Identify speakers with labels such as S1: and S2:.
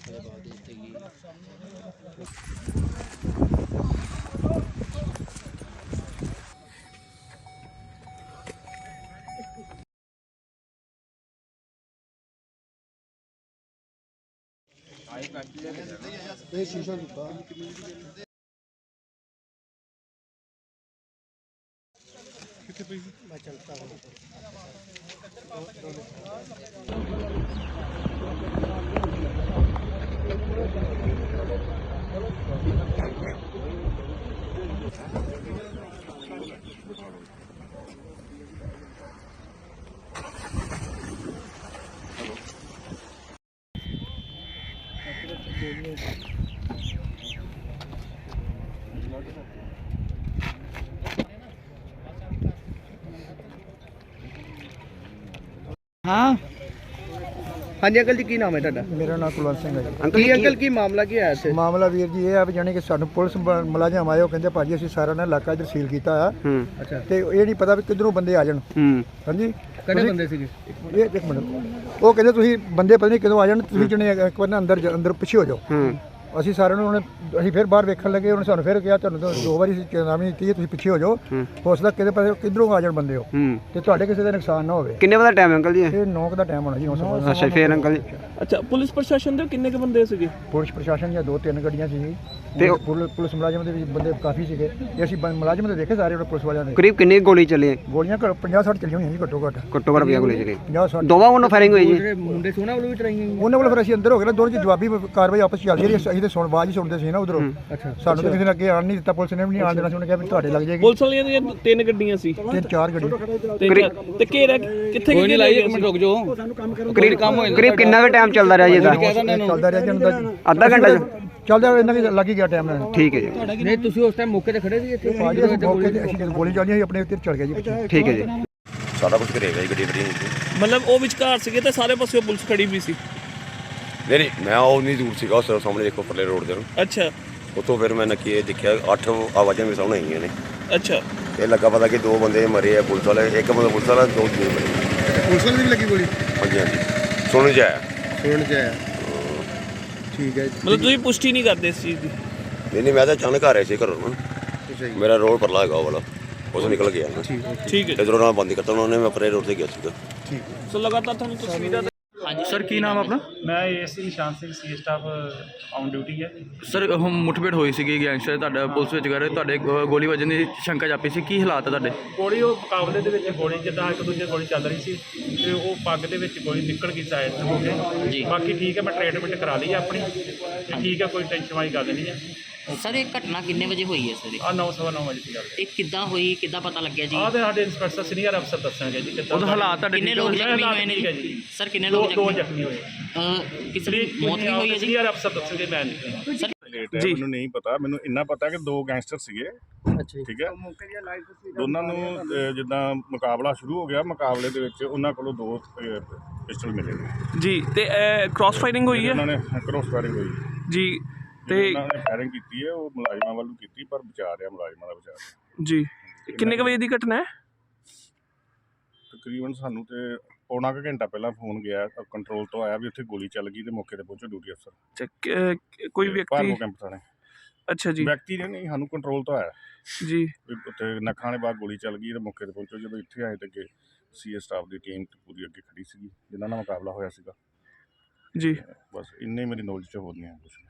S1: शीशा दिता मैं चलता हूँ।
S2: हाँ हाँ जी अंकल जी की नाम है ਤੁਹਾਡਾ?
S1: मेरा नाम कुलवंत सिंह है जी।
S2: अंकल की मामला ਕੀ ਹੈ ਇੱਥੇ?
S1: ਮਾਮਲਾ ਵੀਰ ਜੀ ਇਹ ਆ ਵੀ ਜਾਣੀ ਕਿ ਸਾਨੂੰ ਪੁਲਿਸ ਮੁਲਾਜ਼ਮ ਆਏ, ਉਹ ਕਹਿੰਦੇ ਭਾਜੀ ਅਸੀਂ ਸਾਰਾ ਨਾ ਇਲਾਕਾ ਇੱਧਰ ਸੀਲ ਕੀਤਾ ਆ
S2: ਅੱਛਾ
S1: ਤੇ ਇਹ ਨਹੀਂ ਪਤਾ ਵੀ ਕਿੱਧਰੋਂ ਬੰਦੇ ਆ ਜਾਣ। ਹਾਂਜੀ
S2: ਕਿਹੜੇ ਬੰਦੇ ਸੀਗੇ?
S1: ਇਹ ਇੱਕ ਮਿੰਟ, ਉਹ ਕਹਿੰਦੇ ਤੁਸੀਂ ਬੰਦੇ ਪਤਾ ਨਹੀਂ ਕਦੋਂ ਆ ਜਾਣ, ਤੁਸੀਂ ਜਣੇ ਇੱਕ ਵਾਰ ਨਾ ਅੰਦਰ ਪਿੱਛੇ ਹੋ ਜਾਓ। ਅਸੀਂ ਸਾਰਿਆਂ ਨੂੰ ਅਸੀਂ ਫਿਰ ਬਾਹਰ ਵੇਖਣ ਲੱਗੇ, ਉਹਨੇ ਸਾਨੂੰ ਫਿਰ ਕਿਹਾ ਤੁਹਾਨੂੰ ਤਾਂ 2 ਵਾਰੀ ਚੇਤਾਵਨੀ ਦਿੱਤੀ ਹੈ, ਤੁਸੀਂ ਪਿੱਛੇ ਹੋ ਜਾਓ, ਹੋ ਸਕਦਾ ਕਿਤੇ ਪਾਸੇ ਕਿੱਧਰੋਂ ਆ ਜਾਣ ਬੰਦੇ ਹੋ ਤੇ ਤੁਹਾਡੇ ਕਿਸੇ ਦਾ ਨੁਕਸਾਨ ਨਾ ਹੋਵੇ।
S2: ਕਿੰਨੇ ਵਜੇ ਦਾ ਟਾਈਮ ਅੰਕਲ ਜੀ?
S1: ਇਹ 9 ਦਾ ਟਾਈਮ ਹੋਣਾ ਜੀ। 9
S2: ਅੱਛਾ ਫਿਰ ਅੰਕਲ ਜੀ
S3: ਅੱਛਾ ਪੁਲਿਸ ਪ੍ਰਸ਼ਾਸਨ ਦੇ ਕਿੰਨੇ ਕ ਬੰਦੇ ਸੀਗੇ?
S1: ਪੁਲਿਸ ਪ੍ਰਸ਼ਾਸਨ ਦੀਆਂ 2-3 ਗੱਡੀਆਂ ਸੀ
S2: ਤੇ
S1: ਤੇ ਪੁਲਿਸ ਮੁਲਾਜ਼ਮ ਦੇ ਵੀ ਬੰਦੇ ਕਾਫੀ ਸੀਗੇ ਤੇ ਅਸੀਂ ਮੁਲਾਜ਼ਮ ਦੇ ਦੇਖੇ ਸਾਰੇ ਪੁਲਿਸ ਵਾਲਿਆਂ ਦੇ।
S2: ਕਰੀਬ ਕਿੰਨੀ ਗੋਲੀ ਚੱਲੀ?
S1: ਗੋਲੀਆਂ 50-60 ਚੱਲੀਆਂ ਹੋਈਆਂ ਜੀ ਘੱਟੋ ਘੱਟ।
S2: ਘੱਟੋ ਘੱਟ 50 ਗੋਲੀ ਚੱਲੀ।
S1: 50-60
S2: ਦੋਵਾਂ ਵੱਲੋਂ ਫਾਇਰਿੰਗ ਹੋਈ ਜੀ?
S3: ਮੁੰਡੇ ਸੋਨਾ ਵੱਲੋਂ ਵੀ ਚਲਾਈਆਂ
S1: ਉਹਨਾਂ ਕੋਲ ਫਿਰ ਅਸੀਂ ਅੰਦਰ ਹੋ ਗਏ ਨਾ, ਦੋਨੋਂ ਚ ਜਵਾਬੀ ਕਾਰਵਾਈ ਆਪਸ ਚ ਚੱਲ ਰਹੀ ਸੀ। ਅਸੀਂ ਤਾਂ ਸੁਣ ਆਵਾਜ਼ ਹੀ ਸੁਣਦੇ ਸੀ ਨਾ ਉਧਰੋਂ।
S3: ਅੱਛਾ
S1: ਸਾਨੂੰ ਤਾਂ ਕਿਸੇ ਨੇ ਅੱਗੇ ਆਣ ਨਹੀਂ ਦਿੱਤਾ, ਪੁਲਿਸ ਨੇ ਵੀ ਨਹੀਂ ਆਣ ਦੇਣਾ ਸੀ। ਉਹਨੇ ਕਿਹਾ ਵੀ ਤੁਹਾਡੇ ਲੱਗ ਜਾਏਗੀ।
S3: ਪੁਲਿਸ ਵਾਲੀਆਂ ਦੀਆਂ 3 ਗੱਡੀਆਂ ਸੀ
S1: 3-4 ਗੱਡੀ
S3: ਤੇ ਘੇਰਾ ਕਿੱਥੇ ਕੋਈ ਨਹੀਂ ਲਾਈ? ਇੱਕ ਮਿੰਟ ਰੁਕ ਜਾਓ,
S2: ਕਰੀਬ ਕਿੰਨਾ ਵੀ ਟਾਈਮ ਚੱਲਦਾ ਰਿਹਾ ਜੀ ਇਹਦਾ?
S1: ਚੱਲਦਾ ਰਿਹਾ ਜੀ ਅੰਦਰ
S2: ਅੱਧਾ ਘੰਟਾ ਜੀ?
S1: ਚੱਲਦਾ ਇਹਨਾਂ ਵੀ ਲੱਗ ਹੀ ਗਿਆ ਟਾਈਮ ਨਾਲ।
S2: ਠੀਕ ਹੈ ਜੀ।
S3: ਨਹੀਂ ਤੁਸੀਂ ਉਸ ਟਾਈਮ ਮੌਕੇ ਤੇ ਖੜੇ ਸੀ ਇੱਥੇ?
S1: ਭਾਜੀ ਅਸੀਂ ਮੌਕੇ ਤੇ ਅਸੀਂ ਗੋਲੀ ਚੱਲੀ ਸੀ ਆਪਣੇ ਉੱਤੇ ਚੜ ਗਿਆ ਜੀ ਪਿੱਛੇ।
S2: ਠੀਕ ਹੈ ਜੀ।
S4: ਸਾਰਾ ਕੁਝ ਕਰੇਗਾ ਜੀ ਗੱਡੀ ਬੜੀ
S3: ਮਤਲਬ ਉਹ ਵਿਚਕਾਰ ਸੀਗੇ ਤੇ ਸਾਰੇ ਪਾਸੇ ਪੁਲਿਸ ਖੜੀ ਵੀ ਸੀ?
S4: ਨਹੀਂ ਮੈਂ ਉਹ ਨਹੀਂ ਦੂਰ ਸੀਗਾ, ਉਸ ਸਾਹਮਣੇ ਦੇਖੋ ਪਰਲੇ ਰੋਡ ਦੇ।
S3: ਅੱਛਾ
S4: ਉੱਥੋਂ ਫਿਰ ਮੈਂ ਨੱਕੀ ਦੇਖਿਆ 8 ਆਵਾਜ਼ਾਂ ਮੇਰੇ ਸਾਹਮਣੇ ਆਈਆਂ ਨੇ।
S3: ਅੱਛਾ
S4: ਇਹ ਲੱਗਾ ਪਤਾ ਕਿ 2 ਬੰਦੇ ਮਰੇ ਆ ਪੁਲਿਸ ਵਾਲੇ, ਇੱਕ ਬੰਦਾ ਪੁਲਿਸ ਵਾਲਾ, 2 ਦੂਰ ਮਰੇ।
S1: ਪੁਲਿਸ ਵਾਲੇ ਵੀ ਲੱਗੀ ਗੋਲੀ?
S4: ਹਾਂਜੀ ਹਾਂਜੀ ਸੁਣ ਚ ਆਇਆ।
S1: ਸੁਣ ਚ ਆਇਆ। ਠੀਕ ਹੈ।
S3: ਮਤਲਬ ਤੁਸੀਂ ਪੁਸ਼ਟੀ ਨਹੀਂ ਕਰਦੇ ਇਸ ਚੀਜ਼ ਦੀ?
S4: ਨਹੀਂ ਮੈਂ ਤਾਂ ਅਚਾਨਕ ਆ ਰਿਹਾ ਸੀ ਘਰੋਂ ਨਾ, ਮੇਰਾ ਰੋਡ ਪਰਲਾ ਹੈਗਾ ਉਹ ਵਾਲਾ, ਉਸ ਨਿਕਲ ਗਿਆ ਨਾ।
S3: ਠੀਕ ਹੈ
S4: ਇਧਰੋਂ ਨਾਲ ਬੰਦ ਕਰਤਾ ਉਹਨਾਂ ਨੇ, ਮੈਂ ਪਰੇ ਰੋਡ ਤੇ ਗਿਆ ਸੀਗਾ।
S3: ਸੋ ਲਗਾਤਾਰ ਤੁਹਾਨੂੰ ਤਸਵੀਰਾਂ
S5: ਹਾਂਜੀ ਸਰ, ਕੀ ਨਾਮ ਆਪਣਾ?
S6: ਮੈਂ ASC Nishan Singh, C staff on duty ਹੈ।
S5: ਸਰ ਹੁਣ ਮੁੱਠਭੇੜ ਹੋਈ ਸੀਗੀ ਗੈਂਗਸਟਰ ਤੁਹਾਡਾ ਪੁਲਿਸ ਵਿੱਚ ਗਏ, ਤੁਹਾਡੇ ਗੋਲੀ ਵੱਜਣ ਦੀ ਸ਼ੰਕਾ ਜਾਪੀ ਸੀ, ਕੀ ਹਾਲਾਤ ਹੈ ਤੁਹਾਡੇ?
S6: ਗੋਲੀ ਉਹ ਮੁਕਾਬਲੇ ਦੇ ਵਿੱਚ ਗੋਲੀ ਜਿੱਦਾਂ ਇੱਕ ਦੂਜੇ ਗੋਲੀ ਚੱਲ ਰਹੀ ਸੀ ਤੇ ਉਹ ਪੱਗ ਦੇ ਵਿੱਚ ਗੋਲੀ ਨਿਕਲ ਗਈ ਸਾਈਡ ਤੋਂ ਹੋ ਕੇ। ਬਾਕੀ ਠੀਕ ਹੈ, ਮੈਂ ਟ੍ਰੀਟਮੈਂਟ ਕਰਾ ਲਈ ਆਪਣੀ ਤੇ ਠੀਕ ਹੈ, ਕੋਈ ਟੈਨਸ਼ਨ ਵਾਲੀ ਗੱਲ ਨਹੀਂ ਹੈ।
S7: ਸਰ ਇਹ ਘਟਨਾ ਕਿੰਨੇ ਵਜੇ ਹੋਈ ਹੈ ਸਰ?
S6: 9:15 ਵਜੇ ਦੀ ਗੱਲ।
S7: ਇਹ ਕਿੱਦਾਂ ਹੋਈ, ਕਿੱਦਾਂ ਪਤਾ ਲੱਗਿਆ ਜੀ?
S6: ਆਹ ਤੇ ਸਾਡੇ ਇੰਸਪੈਕਟਰ ਸੀਨੀਅਰ ਅਫਸਰ ਦੱਸਾਂਗੇ ਜੀ ਕਿੱਦਾਂ
S5: ਉਹਦਾ ਹਾਲਾਤ ਤੁਹਾਡੇ
S7: ਕਿੰਨੇ ਲੋਕ ਜ਼ਖਮੀ ਹੋਏ ਨੇ
S6: ਠੀਕ ਹੈ ਜੀ?
S7: ਸਰ ਕਿੰਨੇ ਲੋਕ
S6: ਦੋ ਜ਼ਖਮੀ ਹੋਏ।
S7: ਕਿਸੇ ਦੀ ਮੌਤ ਵੀ ਹੋਈ ਹੈ ਜੀ?
S6: ਸੀਨੀਅਰ ਅਫਸਰ ਦੱਸਣਗੇ, ਮੈਂ ਨਹੀਂ।
S7: ਸਰ
S8: ਜੀ ਮੈਨੂੰ ਨਹੀਂ ਪਤਾ, ਮੈਨੂੰ ਇੰਨਾ ਪਤਾ ਕਿ 2 ਗੈਂਗਸਟਰ ਸੀਗੇ। ਠੀਕ ਹੈ, ਦੋਨਾਂ ਨੂੰ ਜਿੱਦਾਂ ਮੁਕਾਬਲਾ ਸ਼ੁਰੂ ਹੋ ਗਿਆ, ਮੁਕਾਬਲੇ ਦੇ ਵਿੱਚ ਉਹਨਾਂ ਕੋਲੋਂ 2 ਪਿਸਟਲ ਮਿਲੇ
S3: ਜੀ ਤੇ ਕ੍ਰਾਸ ਫਾਇਰਿੰਗ ਹੋਈ ਹੈ?
S8: ਉਹਨਾਂ ਨੇ ਕ੍ਰੋਸ ਫਾਇਰਿੰਗ ਹੋਈ
S3: ਜੀ ਤੇ
S8: ਉਹਨਾਂ ਨੇ ਫਾਇਰਿੰਗ ਕੀਤੀ ਹੈ, ਉਹ ਮੁਲਾਜ਼ਮਾਂ ਵੱਲੋਂ ਕੀਤੀ, ਪਰ ਬਚਾ ਰਿਹਾ ਮੁਲਾਜ਼ਮਾਂ ਦਾ ਬਚਾ ਰਿਹਾ।
S3: ਜੀ ਕਿੰਨੇ ਕ ਵਜੇ ਦੀ ਘਟਨਾ ਹੈ?
S8: ਤਕਰੀਬਨ ਸਾਨੂੰ ਤੇ ਪੌਣਾ ਕੁ ਘੰਟਾ ਪਹਿਲਾਂ ਫੋਨ ਗਿਆ ਕੰਟਰੋਲ ਤੋਂ, ਆਇਆ ਵੀ ਉੱਥੇ ਗੋਲੀ ਚੱਲ ਗਈ ਤੇ ਮੌਕੇ ਤੇ ਪਹੁੰਚੋ ਡਿਊਟੀ ਅਫਸਰ।
S3: ਕੋਈ ਵਿਅਕਤੀ?
S8: ਭਾਰਗੋ ਕੈਂਪ ਥਾਣੇ।
S3: ਅੱਛਾ ਜੀ।
S8: ਵਿਅਕਤੀ ਨੇ ਨਹੀਂ, ਸਾਨੂੰ ਕੰਟਰੋਲ ਤੋਂ ਆਇਆ
S3: ਜੀ
S8: ਉੱਥੇ ਨੱਖਾਂ ਦੇ ਬਾਅਦ ਗੋਲੀ ਚੱਲ ਗਈ ਤੇ ਮੌਕੇ ਤੇ ਪਹੁੰਚੋ। ਜਦੋਂ ਇੱਥੇ ਆਏ ਤੇ ਅੱਗੇ ਸੀਏ ਸਟਾਫ ਦੀ ਟੀਮ ਪੂਰੀ ਅੱਗੇ ਖੜੀ ਸੀਗੀ ਜਿਨ੍ਹਾਂ ਨਾਲ ਮੁਕਾਬਲਾ ਹੋਇਆ ਸੀਗਾ
S3: ਜੀ।
S8: ਬਸ ਇੰਨੇ ਮੇਰੀ ਨੌਲੇਜ 'ਚ ਹੋ ਨਹੀਂ ਹੈ ਕੁਛ।